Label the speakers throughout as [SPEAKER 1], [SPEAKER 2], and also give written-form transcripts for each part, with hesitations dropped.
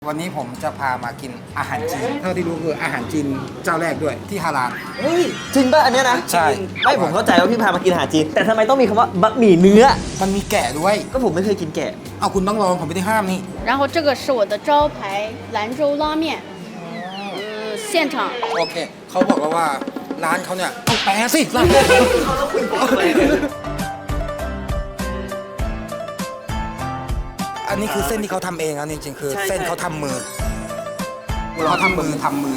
[SPEAKER 1] วันนี้ผมจะพามากินอาหารจีนเท่าที่รู้คืออาหารจีนเจ้าแรกด้วยที่ฮาลาล
[SPEAKER 2] เฮ้ยจริงป่ะอันเนี้ยนะ
[SPEAKER 1] ใช่
[SPEAKER 2] ไม่ผมเข้าใจว่าพี่พามากินอาหารจีนแต่ทำไมต้องมีคำว่าบะหมี่เนื้อ
[SPEAKER 1] มันมีแกะด้วย
[SPEAKER 2] ก็ผมไม่เคยกินแกะ
[SPEAKER 1] เอาคุณต้องลองผมไม่ได้ห้ามนี่
[SPEAKER 3] 然后这个是我的招牌兰州拉面，现场。
[SPEAKER 1] โอเคเขาบอกแล้วว่าร้านเขาเนี่ยต้องแปลสิร้านอันนี้คือเส้นที่เขาทำเองนะจริงๆคือเส้นเขาทำมือเขาทำมือ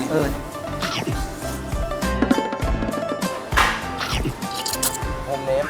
[SPEAKER 1] โฮมเมด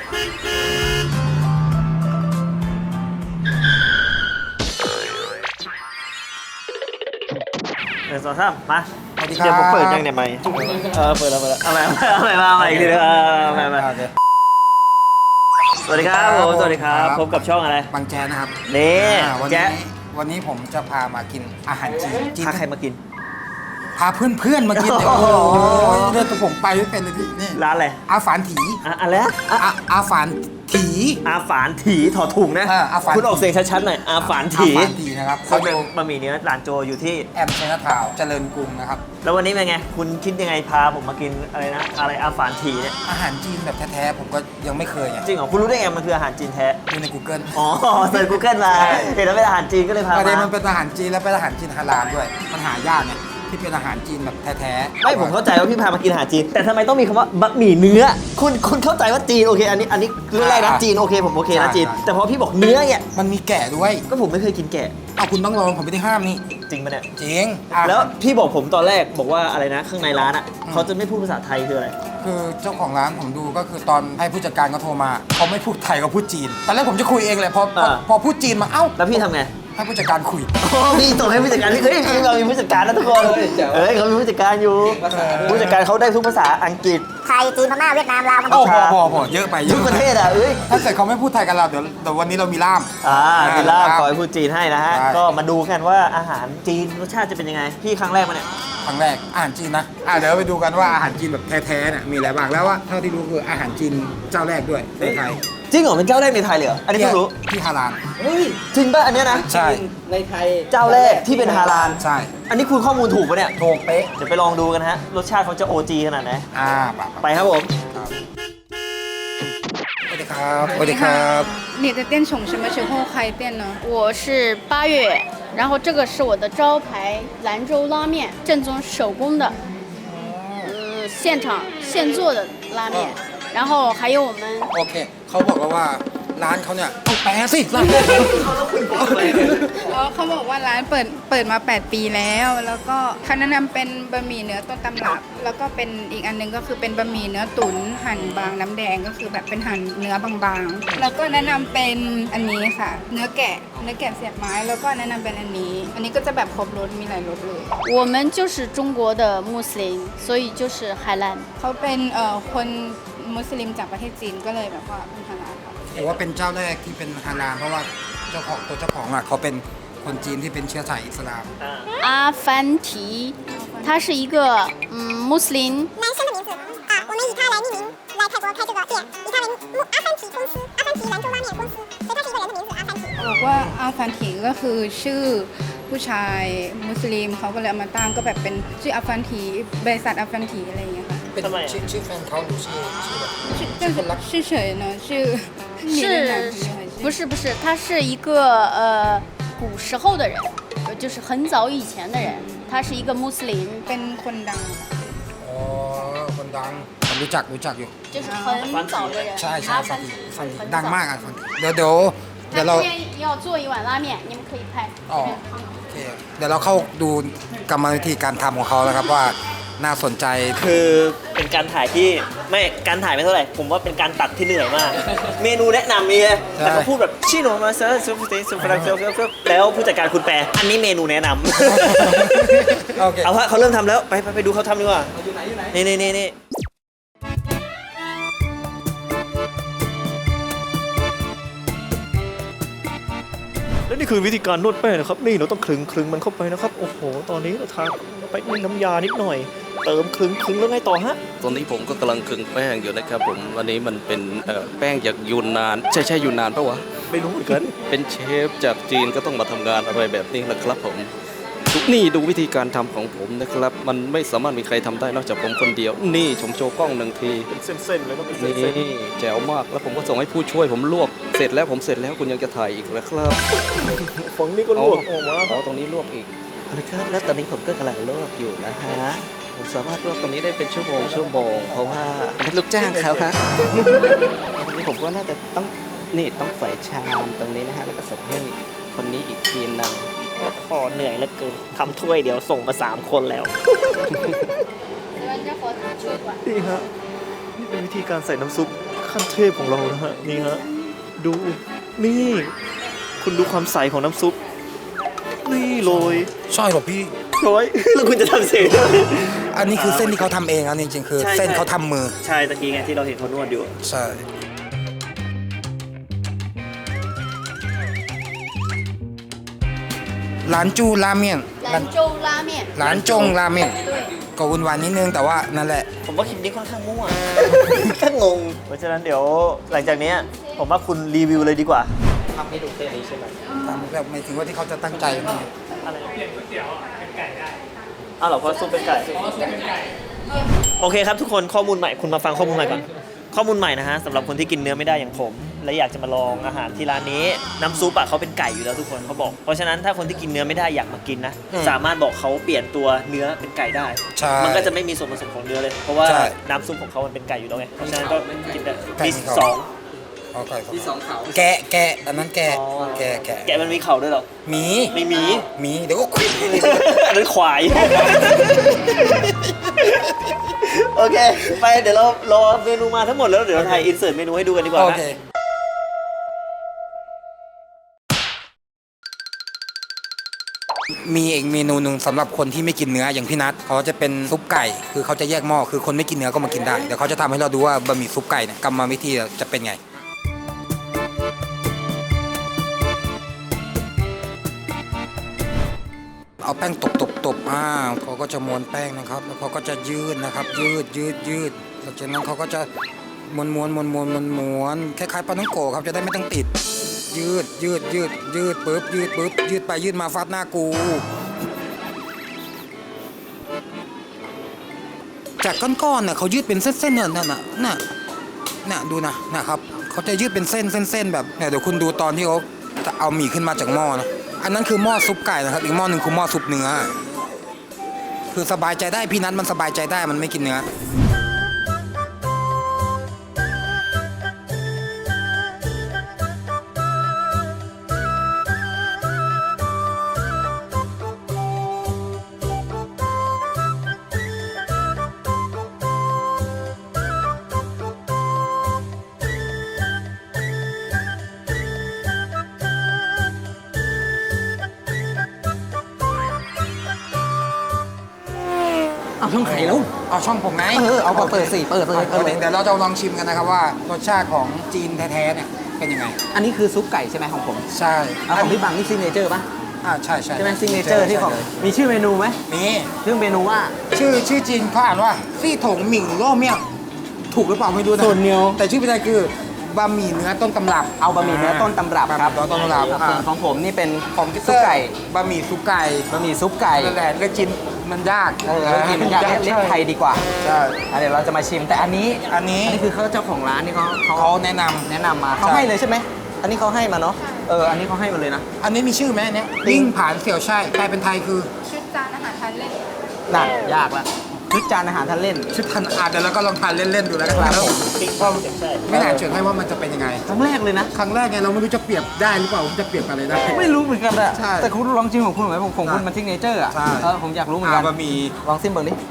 [SPEAKER 2] สองสามมา
[SPEAKER 1] สวัสดีครับ
[SPEAKER 2] เดี๋ยวผมเปิดยังเนี่ยไม่เปิดแล้วเอาใหม่มาอีกทีนึงมา
[SPEAKER 1] โอเค
[SPEAKER 2] สวัสดีครับผมสวัสดีครับพบกับช่องอะไร
[SPEAKER 1] บางแจนะครับ
[SPEAKER 2] นี่
[SPEAKER 1] วัน
[SPEAKER 2] แจ๊ะ
[SPEAKER 1] นี้วันนี้ผมจะพามากินอาหารจีน
[SPEAKER 2] พาใครมากิน
[SPEAKER 1] พาเพื่อนๆมากินเนี่ย
[SPEAKER 2] โอ้
[SPEAKER 1] โอ้
[SPEAKER 2] โห
[SPEAKER 1] โหเรื่องตัวผมไปไม่เป็นเลยพี่นี่
[SPEAKER 2] ร้านอะไร
[SPEAKER 1] อาฝานถี
[SPEAKER 2] อะไรนะ
[SPEAKER 1] อาฝานถี
[SPEAKER 2] อาฝานถีถอดถุงนะ
[SPEAKER 1] อาฝาน
[SPEAKER 2] คุณออกเสียงชัดๆหน่อยอาฝานถี
[SPEAKER 1] อาฝานถีนะครับ
[SPEAKER 2] เขา
[SPEAKER 1] เขาอ
[SPEAKER 2] เป็น
[SPEAKER 1] ยู่
[SPEAKER 2] บะหมี่เนื้อร้านโจอยู่ที่
[SPEAKER 1] แอมเชนาทาวน์เจริญกรุงนะครับ
[SPEAKER 2] แล้ววันนี้เป็นไง คุณคิดยังไงพาผมมากินอะไรนะ อะไรอาฝานถีเนี่ย
[SPEAKER 1] อาหารจีนแบบแท้ๆผมก็ยังไม่เคยไง
[SPEAKER 2] จริงเหรอ คุณรู้ได้ไงมันคืออาหารจีนแท้
[SPEAKER 1] ดูใน Google
[SPEAKER 2] อ๋อเซิร์ช Google มา เห็นแล้วเป็นอาหารจีนก็เลยพา
[SPEAKER 1] ประเด็น
[SPEAKER 2] มา
[SPEAKER 1] มันเป็นอาหารจีนแล้วเป็นอาหารจีนฮาลาลด้วยมันหายากไงที่เป็นอาหารจีนแบบแท้ๆ
[SPEAKER 2] ไม่ผมเข้าใจว่าพี่พามากินอาหารจีน แต่ทำไมต้องมีคำว่าบะหมี่เนื้อ คุณเข้าใจว่าจีนโอเค อันนี้เรื่องแรกนะจีนโอเคผมโอเคนะจีน แต่พอพี่บอกเนื้อเนี่ย
[SPEAKER 1] มันมีแกะด้วย
[SPEAKER 2] ก็ผมไม่เคยกินแกะ
[SPEAKER 1] เอาคุณต้องลองผมไม่ได้ห้ามนี่
[SPEAKER 2] จริงปะเนี่ย
[SPEAKER 1] จริงอ่ะ
[SPEAKER 2] แล้วพี่บอกผมตอนแรกบอกว่าอะไรนะ ข้างในร้านอ่ะเขาจะไม่พูดภาษาไทยคืออะไร
[SPEAKER 1] คือเจ้าของร้านผมดูก็คือตอนให้ผู้จัดการเขาโทรมาเขาไม่พูดไทยเขาพูดจีนตอนแรกผมจะคุยเองเลยพอพูดจีนมาเอ้า
[SPEAKER 2] แล้วพี่ทำไง
[SPEAKER 1] ให้ผู้จัดการคุย
[SPEAKER 2] พี่ส่งให้ผู้จัดการพี่เฮ้ยเรามีผู้จัดการนะทุกคนเขามีผู้จัดการอยู่ผู้จัดการเขาได้ทุกภาษาอังกฤษ
[SPEAKER 4] ไทย จีน พม่า เวียดนาม ลาว กัม
[SPEAKER 1] โอ้
[SPEAKER 4] พูชา
[SPEAKER 1] พอเยอะไปเย
[SPEAKER 2] ทุ
[SPEAKER 1] อะ
[SPEAKER 2] กประเทศอ่ะเอ้ย
[SPEAKER 1] ถ้าเกิดเขาไม่พูดไทยกันเราเดี๋ยววันนี้เรามีล่าม
[SPEAKER 2] มีล่ามขอให้พูดจีนให้นะฮะ
[SPEAKER 1] ใช่
[SPEAKER 2] ก็มาดูกันว่าอาหารจีนรสชาติจะเป็นยังไง พี่ครั้งแรกมาเนี่ย
[SPEAKER 1] ครั้งแรกอาหารจีนนะเดี๋ยวไปดูกันว่าอาหารจีนแบบแท้ๆเนี่ยมีอะไรบ้างแล้วว่าเท่าที่รู้คืออาหารจีนเจ้าแรกด้วยในไทย
[SPEAKER 2] จริงเหรอเป็นเจ้าแรกในไทยเลยเหรออันนี้เพิ่งรู้
[SPEAKER 1] ที่ฮาลาล
[SPEAKER 2] เฮ้ยจริงป่ะอันเนี้ยนะ
[SPEAKER 1] ใช่
[SPEAKER 5] ในไทย
[SPEAKER 2] เจ้าแรกที่เป็นฮาลาล
[SPEAKER 1] ใช่
[SPEAKER 2] อันนี้คุณข้อมูลถูกปะเนี่ย
[SPEAKER 1] ถูกเป๊ะ
[SPEAKER 2] เดี๋ยวไปลองดูกันฮะรสชาติเขาจะ OG ขนาดไหน
[SPEAKER 1] ไป
[SPEAKER 2] ไปครับผม
[SPEAKER 1] สวัสดีครับสวัสดีครับ
[SPEAKER 3] 你的店从什么时候开店呢？我是8月，然后这个是我的招牌兰州拉面，正宗手工的，现场现做的拉面。然后还有我们
[SPEAKER 1] โอเคเขาบอกแล้วว่าร้านเขาเนี่ยต้องแปลสิร้าน
[SPEAKER 6] เขาบอกว่าร้านเปิดมา 8 ปีแล้ว แล้วก็เขาแนะนำเป็นบะหมี่เนื้อต้นตำรับ แล้วก็เป็นอีกอันหนึงก็คือเป็นบะหมี่เนื้อตุ๋นหั่นบางน้ำแดงก็คือแบบเป็นหั่นเนื้อบางๆ แล้วก็แนะนำเป็นอันนี้ค่ะ เนื้อแกะเสียบไม้ แล้วก็แนะนำเป็นอันนี้ อันนี้ก็จะแบบครบรสมีหลายรสเลย
[SPEAKER 3] 我们就是中国的穆斯林，所以就是海兰。
[SPEAKER 6] เขาเป็นคนมุสลิมจากประเทศจีนก็เลยแบบว่าเป็นฮาลาลค่ะ
[SPEAKER 1] ถือว่าเป็นเจ้าแรกที่เป็นฮาลาลเพราะว่าเจ้าของอ่ะเขาเป็นคนจีนที่เป็นเชื้อสายอิสลาม
[SPEAKER 3] 阿凡提，他是一个穆斯林，
[SPEAKER 4] 男生的名字我们以他来命名，来泰国开这个店，以他为阿凡提公司，阿凡提兰州拉面公司，所以他是一个人的名字阿凡提。
[SPEAKER 6] บอกว่าอาฟันถีก็คือชื่อผู้ชายมุสลิมเขาก็เลยเอามาตั้งก็แบบเป็นชื่ออาฟันถีบริษัทอาฟันถีอะไรอย่างเงี้ยค่ะ
[SPEAKER 1] เป็นชื่อแฟนเขาหรือชื่อแบบ
[SPEAKER 6] ชื่อเฉยๆเนอะชื่อมีเรื่องหนังมีอะไรชื่อ
[SPEAKER 3] 不是，他是一个古时候的人，就是很早以前的人，他是一个穆斯林，
[SPEAKER 6] เป็นคนดังค่ะ
[SPEAKER 1] อ๋อคนดังผมรู้จักอยู่
[SPEAKER 3] 就是很早的人。
[SPEAKER 1] ใช่
[SPEAKER 3] 阿
[SPEAKER 1] ฟัน
[SPEAKER 3] 凡
[SPEAKER 1] ถี
[SPEAKER 3] 提
[SPEAKER 1] ฟันถี
[SPEAKER 3] 很
[SPEAKER 1] ดัง
[SPEAKER 3] 早
[SPEAKER 1] มากอ่ะฟันถีเดี๋ยว
[SPEAKER 3] 他
[SPEAKER 1] เรา
[SPEAKER 3] 这边要做一碗拉面，你们可以拍。
[SPEAKER 1] อ๋อโอเคเดี๋ยวเราเข้าดูกรรมวิธีการทำของเขาแล้วครับว่าน่าสนใจ
[SPEAKER 2] คือเป็นการถ่ายที่ไม่การถ่ายไม่เท่าไหร่ ผมว่าเป็นการตัดที่เหนื่อยมาก เมนูแนะนำมีเลยแต่เขาพูดแบบชิโนมาเซอร์ซูฟิซูฟรังเซลแล้วผู้จัดการคุณแปลอันนี้เมนูแนะนำ
[SPEAKER 1] โอเค
[SPEAKER 2] เอาฮะเขาเริ่มทำแล้วไปดูเขาทำดีกว่านี่และนี่คือวิธีการนวดแป้งนะครับนี่เราต้องคลึงมันเข้าไปนะครับโอ้โหตอนนี้เราทาไปด้วยน้ำยานิดหน่อย เติมคลึงแล้วไงต่อฮะ
[SPEAKER 5] ตอนนี้ผมก็กำลังคลึงแป้งอยู่นะครับผมวันนี้มันเป็นแป้งจากยูนนานใช่ยูนนานปะวะ
[SPEAKER 2] ไม่รู้เหมือนกัน
[SPEAKER 5] เป็นเชฟจากจีนก็ต้องมาทำงานอะไรแบบนี้แหละครับผมนี่ดูวิธีการทำของผมนะครับ มันไม่สามารถมีใครทำได้นอกจากผมคนเดียว นี่ผมโชว์กล้องหนึ่งที
[SPEAKER 2] เป็นเส้นๆเลยต้องเป็นเส้
[SPEAKER 5] นี่
[SPEAKER 2] น
[SPEAKER 5] แจ๋วมากแล้วผมก็ส่งให้ผู้ช่วยผมลวกเสร็จแล้วผมเสร็จแล้วคุณยังจะถ่ายอีกแล้วครับ
[SPEAKER 2] ๆฝั่งนี้ก็ลวกออกมา
[SPEAKER 5] อ๋อตรงนี้ลวกอีกนะครับแล้วตอนนี้ผมก็กำลังลวกอยู่นะฮะผมสามารถลวกตรงนี้ได้เป็นชั่วโมงเพราะว่าเป็นลูกจ้างเขาครับตรงนี้ผมก็น่าจะต้องต้องใส่ชามตรงนี้นะฮะแล้วก็ใส่ให้คนนี้อีกทีนึง
[SPEAKER 2] พอเหนื่อยเหลือเกินทำถ้วยเดียวส่งมา3 คนแล้ว นี่ฮะนี่เป็นวิธีการใส่น้ำซุปขั้นเทพของเรานะฮะนี่ฮะดูนี่ คุณดูความใสของน้ำซุปนี่โรย
[SPEAKER 1] ใช่หรอพี่
[SPEAKER 2] โรย แล้วคุณจะทำเสียงด้วย
[SPEAKER 1] อันนี้คือเส้นที่เขาทำเองนะจริงๆคือ
[SPEAKER 2] ใช่
[SPEAKER 1] เส้นเขาทำมือ
[SPEAKER 2] ใช่ตะกี้ไงที่เราเห็นเขานวดอยู่
[SPEAKER 1] ใช่ร้านจูราเมียน
[SPEAKER 3] 兰州拉面。
[SPEAKER 1] ร้านจงราเมียนก็วุ่นวายนิดนึงแต่ว่านั่นแหละ
[SPEAKER 2] ผมว่าคลิปนี้ค่อนข้างมั่ว ค่างง เพราะฉะนั้นเดี๋ยวหลังจากนี้ผมว่าคุณรีวิวเลยดีกว่าทำให้ดูเส้นนี้ใช่ไหม
[SPEAKER 1] ตามแบบไม่ถึงว่าที่เขาจะตั้งใจนะ
[SPEAKER 2] อะไรเปลี่ยนก๋วยเตี๋ยวเป็นไก่ได้อ้าวเหรอเพราะซุปเป็นไก่ โอเคครับทุกคนข้อมูลใหม่คุณมาฟังข้อมูลใหม่ก่อนข้อมูลใหม่นะฮะสำหรับคนที่กินเนื้อไม่ได้อย่างผม และอยากจะมาลองอาหารที่ร้านนี้น้ำซุปอะเขาเป็นไก่อยู่แล้วทุกคนเขาบอก เพราะฉะนั้นถ้าคนที่กินเนื้อไม่ได้อยากมากินนะสามารถบอกเขาเปลี่ยนตัวเนื้อเป็นไก่ได้
[SPEAKER 1] ใช่
[SPEAKER 2] มันก็จะไม่มีส่วนผสมของเนื้อเลย เพราะว่า
[SPEAKER 1] ใช่
[SPEAKER 2] น้ำซุปของเขามันเป็นไก่อยู่แล้วไงเพราะฉะนั้นก็กินได้
[SPEAKER 1] ไก่
[SPEAKER 2] มี
[SPEAKER 1] ของเขา
[SPEAKER 2] สอง
[SPEAKER 1] เอาไก่
[SPEAKER 5] ที่สองเขา
[SPEAKER 1] แกะอันนั้นแกะ
[SPEAKER 2] อ๋อ
[SPEAKER 1] แกะ
[SPEAKER 2] แกะมันมีเข่าด้วยเหรอ
[SPEAKER 1] หมี
[SPEAKER 2] ไม่มี
[SPEAKER 1] หมีเดี๋ยวก็คุย
[SPEAKER 2] อันนั้นควาย โอเค ไปเดี๋ยวเรารอเมนูมาทั้งหมดแล้วเดี๋ยวเราถ่ายอินเสิร์ตเมนูให้ดูกันดีกว่า
[SPEAKER 1] โอ
[SPEAKER 2] นะ
[SPEAKER 1] เคมีอีกเมนูหนึ่งสำหรับคนที่ไม่กินเนื้ออย่างพี่นัทเขาจะเป็นซุปไก่ คือเขาจะแยกหม้อคือคนไม่กินเนื้อก็มากินได้เดี๋ยวเขาจะทำให้เราดูว่าบะหมี่ซุปไก่เนี่ยกรรมวิธีจะเป็นไง เอาแป้งตบเขาก็จะม้วนแป้งนะครับ แล้วเขาก็จะยืดนะครับ ยืดหลังจากนั้นเขาก็จะม้วนคล้ายๆปลาท่องโกะครับจะได้ไม่ต้องติด ยืดปึ๊บยืดไปยืดมาฟาดหน้ากู จากก้อนๆเนี่ยเขายืดเป็นเส้นๆเนี่ยน่ะดูนะครับเขาจะยืดเป็นเส้นแบบเนี่ยเดี๋ยวคุณดูตอนที่เขาเอาหมี่ขึ้นมาจากหม้อนะอันนั้นคือหม้อซุปไก่นะครับอีกหม้อหนึ่งคือหม้อซุปเนื้อคือสบายใจได้พี่นัทมันสบายใจได้มันไม่กินเนื้อ
[SPEAKER 5] เอาช่องไข่แล้ว
[SPEAKER 1] เอาช่องผมไหม
[SPEAKER 5] เอาเปิดสิเปิดเลย
[SPEAKER 1] เดี๋ยวเราจะลองชิมกันนะครับว่ารสชาติของจีนแท้ๆเนี่ยเป็นยังไง
[SPEAKER 5] อันนี้คือซุปไก่ใช่ไหมของผม
[SPEAKER 1] ใช่
[SPEAKER 5] ของพี่บังนี่ซิกเนเจอร์ป่ะ
[SPEAKER 1] ใช่
[SPEAKER 5] ใช่ไหมซิกเนเจอร์ที่ของมีชื่อเมนูไหม
[SPEAKER 1] มี
[SPEAKER 5] ชื่อเมนูว่า
[SPEAKER 1] ชื่อจีนเขาอ่านว่าซี่ถงหมิ่งโล่เมี่ยงถูกหรือเปล่าไม่รู้นะ
[SPEAKER 5] ส่วนเนียว
[SPEAKER 1] แต่ชื่อภาษาคือบะหมี่เนื้อต้นตำรับ
[SPEAKER 5] เอาบะหมี่เนื้อต้นตำรับครับ
[SPEAKER 1] ต้นตำรับ
[SPEAKER 5] ส่วนของผมนี่เป็น
[SPEAKER 1] ของ
[SPEAKER 5] ซุปไก่
[SPEAKER 1] บะหมี่ซุปไก่
[SPEAKER 5] บะหมี่ซุปไก่
[SPEAKER 1] นั่นแหละก็กินมันยาก
[SPEAKER 5] กินยากเรียกไทยดีกว่า
[SPEAKER 1] ใช่
[SPEAKER 5] เดี๋ยวเราจะมาชิมแต่อันนี้
[SPEAKER 1] อันนี้
[SPEAKER 5] คือเขาเจ้าของร้านนี่เขา
[SPEAKER 1] เขาแนะนำ
[SPEAKER 5] แนะนำมาเขาให้เลยใช่ไหมอันนี้เขาให้มาเนาะอันนี้เขาให้มาเลยนะ
[SPEAKER 1] อันนี้มีชื่อไหมอันเนี้ยลิ่งผานเสี่ยวใช่แปลเป็นไทยคือ
[SPEAKER 6] ชุดจานอาหารทานเล่น
[SPEAKER 5] น่ะยากละชุดจานอาหารทานเล่น
[SPEAKER 1] ชื่อทันอาจเดี๋ยวเราก็ลองทานเล่นๆดูแล้วกัน
[SPEAKER 5] ครับ
[SPEAKER 1] แล้ว
[SPEAKER 2] ปิ้ง
[SPEAKER 1] ก็
[SPEAKER 2] ใช่
[SPEAKER 1] ไม่น่าเชื่อให้ว่ามันจะเป็นยังไง
[SPEAKER 5] ครั้งแรกเลยนะ
[SPEAKER 1] ครั้งแรกไงเราไม่รู้จะเปรียบได้หรือเปล่าผมจะเปรียบอะไรได้
[SPEAKER 5] ไม่รู้เหมือนกันอะ
[SPEAKER 1] ใช่
[SPEAKER 5] แต่คุณลองชิมของคุณไหมของคุณ
[SPEAKER 1] ใช่
[SPEAKER 5] มันซิกเนเจอร์อะ
[SPEAKER 1] ใช่
[SPEAKER 5] ผมอยากรู้เหมือนกัน
[SPEAKER 1] บะหมี่
[SPEAKER 5] ลองซิมเบิร์นี่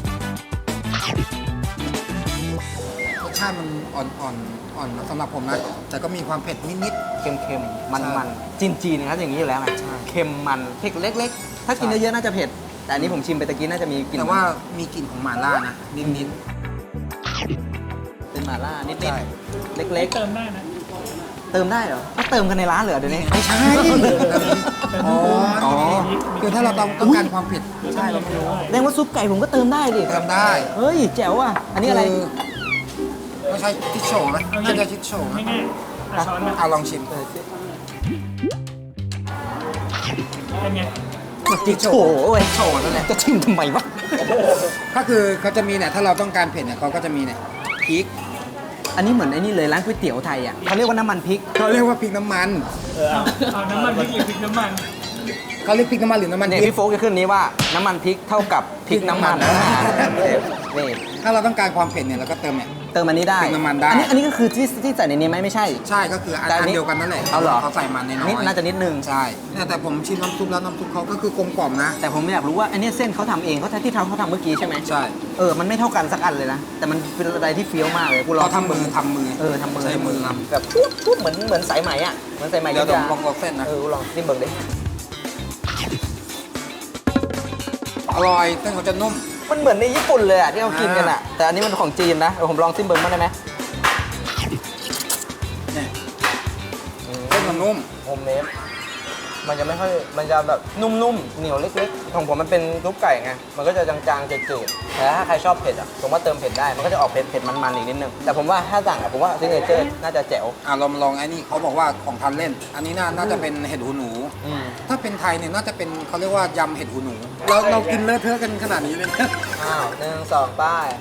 [SPEAKER 1] รสชาติมันอ่อนสำหรับผมนะแต่ก็มีความเผ็ดนิด
[SPEAKER 5] เค็มๆ มัน
[SPEAKER 1] ใช่
[SPEAKER 5] ๆ จีนๆนะครับอย่างนี้อยู่แล้วไง
[SPEAKER 1] ใช่
[SPEAKER 5] เค็มมันเผ็ดเล็กๆ ถ้ากิน
[SPEAKER 1] ใช่
[SPEAKER 5] เยอะๆน่าจะเผ็ด แต่อันนี้ผมชิมไปตะกี้น่าจะมีก
[SPEAKER 1] ๆ
[SPEAKER 5] ลิ่น
[SPEAKER 1] แต่ว่ามีกลิ่นของหม่าล่านะนิด
[SPEAKER 5] เป็นหม่าล่านิด
[SPEAKER 1] ใช่
[SPEAKER 5] ๆเล็กๆ เติมได้นะ เติมได้เหรอก็เติมกันในร้านเหรอเดี๋ยวนี้
[SPEAKER 1] ไม่ใช่อ๋อคือถ้าเราต้องการความเผ็ดใช่เราไม่รู้
[SPEAKER 5] แสดงว่าซุปไก่ผมก็เติมได้ดิ
[SPEAKER 1] เติมได้
[SPEAKER 5] เฮ้ยแจ๋วอ่ะ อันนี้อะไร
[SPEAKER 1] คืไม่ใช่ชิดโฉนะน่าจะชิดโฉนะเอาลองชิม
[SPEAKER 5] จิกโฉเว้ยโฉนั่นแหละจะชิมทำไมวะ
[SPEAKER 1] ก็คือเขาจะมีเนี่ยถ้าเราต้องการเผ็ดเนี่ยเขาก็จะมีเนี่ยพริก
[SPEAKER 5] อันนี้เหมือนไอ้นี่เลยร้านก๋วยเตี๋ยวไทยอ่ะเขาเรียกว่าน้ำมันพริก
[SPEAKER 1] เขาเรียกว่าพริกน้ำมัน
[SPEAKER 7] เอาน้ำมันพริกหรือพริกน้ำมัน
[SPEAKER 1] เขาเรียกพริกน้ำมันหรือน้ำมัน
[SPEAKER 5] เนี่ย
[SPEAKER 1] พริก
[SPEAKER 5] พี่โฟกจะขึ้นนี้ว่าน้ำมันพริกเท่ากับพริกน้ำมัน นี่
[SPEAKER 1] ถ้าเราต้องการความเผ็ดเนี่ยเราก็เติมเนี่ย
[SPEAKER 5] เติมอันนี้ได้
[SPEAKER 1] พริกน้ำมันได้
[SPEAKER 5] อันนี้ก็คือที่ใส่ในนี้ไหมไม่ใช่
[SPEAKER 1] ใช่ก็คืออัน
[SPEAKER 5] แต่อันนี้
[SPEAKER 1] เดียวกันนั่นแหละ
[SPEAKER 5] เอาเหรอ
[SPEAKER 1] เขาใส่มันในน้อย
[SPEAKER 5] นิดน่าจะนิดนึง
[SPEAKER 1] ใช่เนี่ยแต่ผมชิมน้ำซุปแล้วน้ำซุปเขาก็คือกลมกล่อมนะ
[SPEAKER 5] แต่ผมอยากรู้ว่าอันนี้เส้นเขาทำเองเขาที่เขาทำเมื่อกี้ใช่ไหม
[SPEAKER 1] ใช่
[SPEAKER 5] มันไม่เท่ากันสักอันเลยนะ แต่มันเป็นอะไรที่เฟี้ยวมากเลยกูลอง
[SPEAKER 1] เขาทำมือทำมือ
[SPEAKER 5] ทำมือ
[SPEAKER 1] ใช้มือทำ
[SPEAKER 5] แบบปุ๊บเหมือนสายไหมอ่ะเหมือนสายไหม
[SPEAKER 1] เดี๋ยว
[SPEAKER 5] ยุธยา
[SPEAKER 1] ลองเส้นนะ
[SPEAKER 5] กูลองนี่เบิ่งดิ
[SPEAKER 1] อร่อยเส้นเขาจะนุ่ม
[SPEAKER 5] มันเหมือนในญี่ปุ่นเลยอ่ะที่เขากินกันอ่ะแต่อันนี้มันของจีนนะเดี๋ยวผมลองซิมเบิร์มางได้ไหม
[SPEAKER 1] เนี่ยเส้นมันนุ่ม
[SPEAKER 5] โฮมเมดมันจะไม่ค่อยมันจะแบบนุ่มๆเหนียวเล็กๆของผมมันเป็นซุปไก่ไงมันก็จะจางๆจืดๆแต่ถ้าใครชอบเผ็ดอ่ะผมว่าเติมเผ็ดได้มันก็จะออกเผ็ดมันๆอีกนิดนึงแต่ผมว่าถ้าสั่งอ่ะผมว่าซิกเนเจอร์น่าจะแจ๋ว
[SPEAKER 1] เรามาลองไอ้นี่เขาบอกว่าของทานเล่น อันนี้น่าจะเป็นเห็ดหูหนู ถ้าเป็นไทยเนี่ยน่าจะเป็นเขาเรียกว่ายำเห็ดหูหนู เรากินเลอะเทอะกันขนาดนี้เลยนะ
[SPEAKER 5] อ้าว1 2ป้าย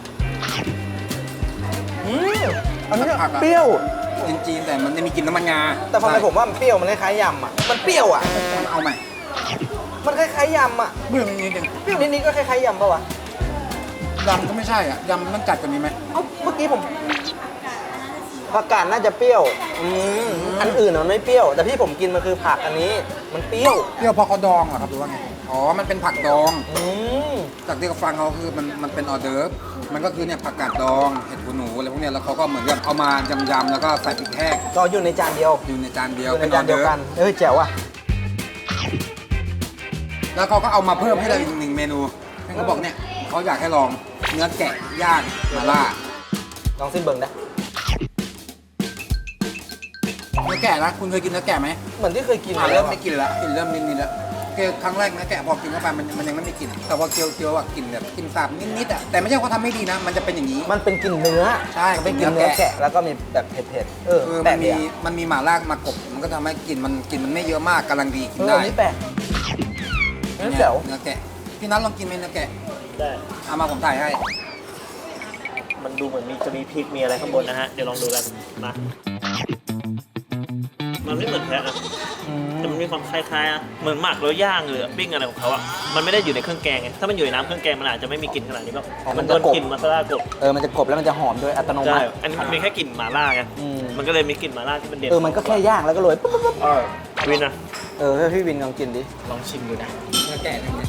[SPEAKER 5] อันนี้
[SPEAKER 1] ผักอะ
[SPEAKER 5] เปรี้ยว
[SPEAKER 1] จีนๆแต่มันจะมีกลิ่นน้ำมันงา
[SPEAKER 5] แต่ทำไมผมว่ามันเปรี้ยวมันคล้ายๆยำอ่ะมันเปรี้ยวอ่ะ
[SPEAKER 1] มันเอาใหม่
[SPEAKER 5] มันคล้ายๆยำอ่ะ
[SPEAKER 1] เบื้องนิดนึง
[SPEAKER 5] เปรี้ยวนิดๆก็คล้ายๆยำป่ะวะ
[SPEAKER 1] ยำก็ไม่ใช่อ่ะยำมันจัดกว่านี้ไหม
[SPEAKER 5] เอ้าเมื่อกี้ผมผักกาดน่าจะเปรี้ยวอันอื่นมันไม่เปรี้ยว แต่ที่ผมกินมันคือผักอันนี้ มันเปรี้ยว
[SPEAKER 1] เปรี้ยวเพราะเขาดองเหรอครับหรือว่าไงอ๋อมันเป็นผักดอง
[SPEAKER 5] อืม
[SPEAKER 1] จากที่เขาฟังเขาคือมันเป็นออเดิร์ฟมันก็คือเนี่ยผักกาดดองเห็ดหูหนูอะไรพวกเนี้ยแล้วเขาก็เหมือนกับเอามายำๆแล้วก็ใส่พริกแห้ง
[SPEAKER 5] ก็อยู่ในจานเดียว
[SPEAKER 1] อยู่ในจานเดียว
[SPEAKER 5] อยู่ใน
[SPEAKER 1] เป็นอ
[SPEAKER 5] จา
[SPEAKER 1] อน
[SPEAKER 5] เดี
[SPEAKER 1] เดิ
[SPEAKER 5] ยว
[SPEAKER 1] ร์ฟ
[SPEAKER 5] กันแจ๋วอ่ะ
[SPEAKER 1] แล้วเขาก็เอามาเพิ่มให้เราอีกหนึ่งเมนูนั่นเขาบอกเนี่ยเขาอยากให้ลองเนื้อแกะย่างมาล่า
[SPEAKER 5] ลองซิมเบิงได้
[SPEAKER 1] เนื้อแกะนะคุณเคยกินเนื้อแกะไหม
[SPEAKER 5] เหมือนที่เคยกิน
[SPEAKER 1] เริ่มไม่กินแล้วกลินเริ่มนิดๆแล้วคือครั้งแรกเนื้อแกะพอกินเข้าไปมันยังไม่มีกลิ่นแต่พอเคี้ยวๆอ่ะกลิ่นแบบกลิ่นสาบนิดๆอ่ะแต่ไม่ใช่ว่าทำไม่ดีนะ มันจะเป็นอย่างนี้
[SPEAKER 5] มันเป็นกลิ่นเนื้อ
[SPEAKER 1] ใช่
[SPEAKER 5] มันเป็นกลิ่นเนื้อแกะแล้วก็มีแบบเผ็ดๆ
[SPEAKER 1] คือ
[SPEAKER 5] แปล
[SPEAKER 1] มั
[SPEAKER 5] ก
[SPEAKER 1] น
[SPEAKER 5] ดี
[SPEAKER 1] มี
[SPEAKER 5] อะ
[SPEAKER 1] มันมีหม่าล่ามากบมันก็ทำให้กลิ่นมันไม่เยอะมากกำลังดีกินได้
[SPEAKER 5] อันนี้แปลกนี่แจ๋ว
[SPEAKER 1] เนื้อแกะพี่นัทลองกินไหมเนื้อแกะ
[SPEAKER 2] ได้
[SPEAKER 1] เอามาผมถ่ายให้
[SPEAKER 2] มันดูเหมือนจะมีพริกมีอะไรข้างบนนะฮะ เดี๋ยวลองดูกันมามันไม่เหมือนแพะนะแต่มันมีความคล้ายๆอะเหมือนหมักแล้วย่างหรือปิ้งอะไรของเขาอะมันไม่ได้อยู่ในเครื่องแกงไงถ้ามันอยู่ในน้ำเครื่องแกงมันอาจจะไม่มีกลิ่นขนาดนี้หรอกมันโดนกลิ่นมาซาลากบ
[SPEAKER 5] มันจะกรอบแล้วมันจะหอมด้วยอัตโนมั
[SPEAKER 2] ใช่
[SPEAKER 5] ติ
[SPEAKER 2] อันนี้มันมีแค่กลิ่นหม่าล่าไง มันก็เลยมีกลิ่นหม่าล่าที่มันเด่น
[SPEAKER 5] มันก็แค่ย่างแล้วก็โรยปุ๊บ
[SPEAKER 2] วินนะ
[SPEAKER 5] ให้พี่วินลองกินดิ
[SPEAKER 2] ลองชิมดูนะ
[SPEAKER 1] เนื้อแกะเนี่ย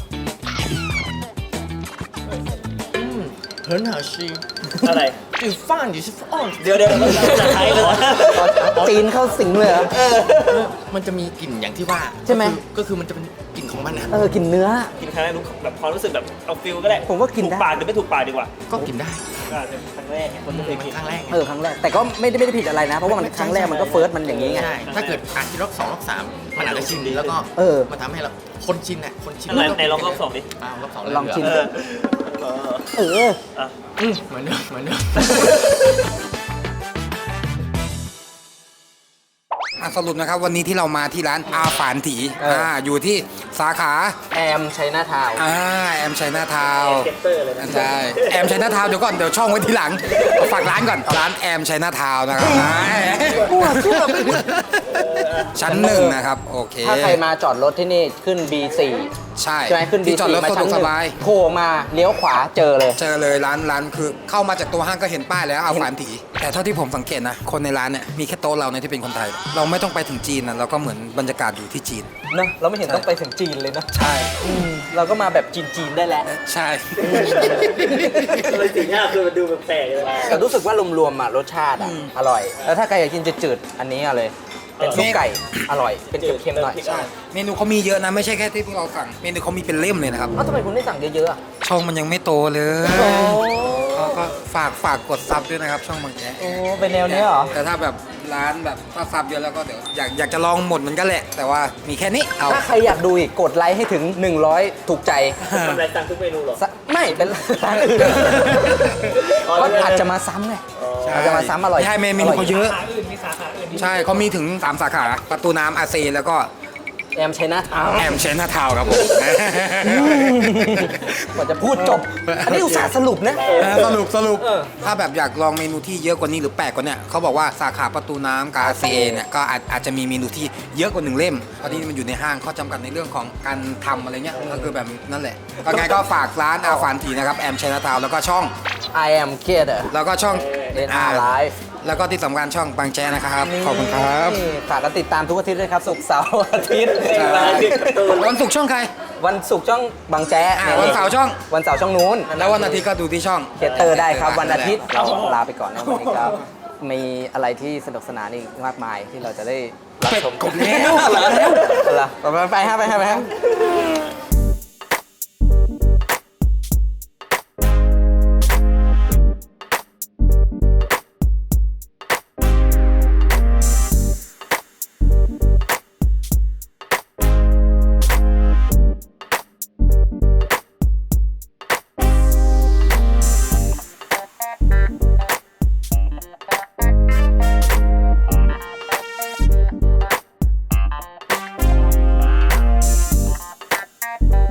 [SPEAKER 7] 很好吃。
[SPEAKER 2] อะไร
[SPEAKER 7] 你饭你是放，
[SPEAKER 2] เดี๋ยวมันภาษาไทยเลย
[SPEAKER 5] จีนเข้าสิงเลยเหรอ
[SPEAKER 7] มันจะมีกลิ่นอย่างที่ว่า
[SPEAKER 5] ใช่ไหม
[SPEAKER 7] ก็คือมันจะเป็นกลิ่นของมันนะ
[SPEAKER 5] กลิ่นเนื้อ
[SPEAKER 2] กินครั้งแรกรู้แบบความรู้สึกแบบเอาฟิลก็ได้
[SPEAKER 5] ผมว่ากินได้
[SPEAKER 2] ถูกปากหรือไม่ถูกปากดีกว่า
[SPEAKER 7] ก็กินได้
[SPEAKER 2] ก็เป็นครั้งแรกไงคนไม่เคยกิน
[SPEAKER 7] ครั้งแรกไง
[SPEAKER 5] ครั้งแรก แต่ก็ไม่ได้ผิดอะไรนะ เพราะว่ามันครั้งแรกมันก็เฟิร์สมันอย่างนี้ไง
[SPEAKER 7] ใช่ ถ้าเกิดกินรอบ2รอบ3มันอาจจะชินดีแล้วก็ มันทำให้เราคนชินอ่ะคนชิน
[SPEAKER 2] อะไรไหนลองรอบสองดิ
[SPEAKER 7] รอบสอง
[SPEAKER 5] ลองชิม
[SPEAKER 2] เออเอออ่ะ
[SPEAKER 7] เหมือนเดิมเหมือนเดิม
[SPEAKER 1] สรุปนะครับวันนี้ที่เรามาที่ร้านอาฝานถีอยู่ที่สาขา
[SPEAKER 5] แอมชัยนาทาวน์
[SPEAKER 1] แอมชัยนาทาวน์
[SPEAKER 2] เก็ตเตอร์เลยนะ
[SPEAKER 1] ใช่แอมชัยนาทาวน์เดี๋ยวก่อนเดี๋ยวช่องไว้ทีหลังฝากร้านก่อนร้านแอมชัยนาทาวน์นะครับชั้นหนึ่งนะครับโอเค
[SPEAKER 5] ถ้าใครมาจอดรถที่นี่ขึ้น B4
[SPEAKER 1] ใช่
[SPEAKER 5] ใช่ไหมขึ้น
[SPEAKER 1] ที่
[SPEAKER 5] B4
[SPEAKER 1] จอดรถ
[SPEAKER 5] มา
[SPEAKER 1] สะด
[SPEAKER 5] ชั้
[SPEAKER 1] วน ก
[SPEAKER 5] ห
[SPEAKER 1] ส
[SPEAKER 5] นึ่ง
[SPEAKER 1] บาย
[SPEAKER 5] โผล่มาเลี้ยวขวาเจอเลย
[SPEAKER 1] เจอเลยร้านคือเข้ามาจากตัวห้างก็เห็นป้ายแล้วอาฝานถีแต่เท่าที่ผมสังเกตนะคนในร้านเนี่ยมีแค่โต๊ะเราเนี่ยที่เป็นคนไทย เราไม่ต้องไปถึงจีนนะเราก็เหมือนบรรยากาศอยู่ที่จีน
[SPEAKER 5] เนอะเราไม่เห็นต้องไปถึงจีนเลยนะ
[SPEAKER 1] ใช่
[SPEAKER 5] เราก็มาแบบจีนๆได้แล้ว
[SPEAKER 1] ใช่
[SPEAKER 2] เลยสีหน้าคือมันดูแปลกๆเลย
[SPEAKER 5] แต่รู้สึกว่ารวมๆรสชาติอร่อย แล้วถ้าใครอยากกินจืดๆอันนี้เอาเลย เป็นซุปไก่อร่อย เป็นเค็มๆหน่อย
[SPEAKER 1] ใช่เมนูเขามีเยอะนะไม่ใช่แค่ที่พวกเราสั่งเมนูเขามีเป็นเล่มเลยนะครับ
[SPEAKER 5] ทำไมคุณไม่สั่งเยอะๆอะ
[SPEAKER 1] ช่องมันยังไม่โตเลยก็ฝากกดซับด้วยนะครับ ช่องบางแก
[SPEAKER 5] โอ้เป็นแนวนี้เหรอ
[SPEAKER 1] แต่ถ้าแบบร้านแบบถ้าซับเยอะแล้วก็เดี๋ยวอยากจะลองหมดเหมือนกันแหละ แต่ว่ามีแค่นี้เอา
[SPEAKER 5] ถ้าใครอยากดูอีกกดไลค์ให้ถึง 100 ถูกใจ
[SPEAKER 2] ทำอะไรสั่งทุกเมนูเหรอ
[SPEAKER 5] ไม่เป็นร้านอื่นก็อาจจะมาซ้ำไงอาจจะมาซ้ำอร่อย
[SPEAKER 1] ใช่เมนูเขาเยอะ
[SPEAKER 7] สาขาอื่นมีสาขาอื่นที่
[SPEAKER 1] ใช่เขามีถึง3สาขาประตูน้ำอาเซแล้วก็
[SPEAKER 5] แอมชัยนาทาวน์
[SPEAKER 1] แอมเชนทาวครับผม
[SPEAKER 5] กว่าจะพูดจบ อันนี้อุตส่าห์สรุปนะ
[SPEAKER 1] สรุปถ้าแบบอยากลองเมนูที่เยอะกว่านี้หรือแปลกกว่าเนี้ยเขาบอกว่าสาขาประตูน้ำกับ RCA เนี่ยก็อาจจะมีเมนูที่เยอะกว่า1 เล่มเพราะที่นี่มันอยู่ในห้างข้อจำกัดในเรื่องของการทำอะไรเงี้ยก็คือแบบนั่นแหละก็ไงก็ฝากร้านอาฟานทีนะครับแอมเชนทาวแล้วก็ช่อง
[SPEAKER 5] I am kid
[SPEAKER 1] แล้วก็ช่อง
[SPEAKER 5] NR Live
[SPEAKER 1] แล้วก็ที่สำคัญช่องบางแจนะครับขอบคุณครับ
[SPEAKER 5] นี่ฝากกันติดตามทุกอาทิตย์ด้วยครับศุกร์เสาร์อาทิตย์
[SPEAKER 1] วันศุกร์ช่องใคร
[SPEAKER 5] วันศุกร์ช่องบางแจ๊ะ
[SPEAKER 1] วันเสาร์ช่อง
[SPEAKER 5] วันเสาร์ช่องนู้น
[SPEAKER 1] แล้ววันอาทิตย์ก็ดูที่ช่อง
[SPEAKER 5] เกตเตอร์ได้ครับวันอาทิตย์เราลาไปก่อนนะวันนี้ครับมีอะไรที่สนุกสนานอีกมากมายที่เราจะได้รับชม
[SPEAKER 1] กดแล้ว
[SPEAKER 5] ไปฮะ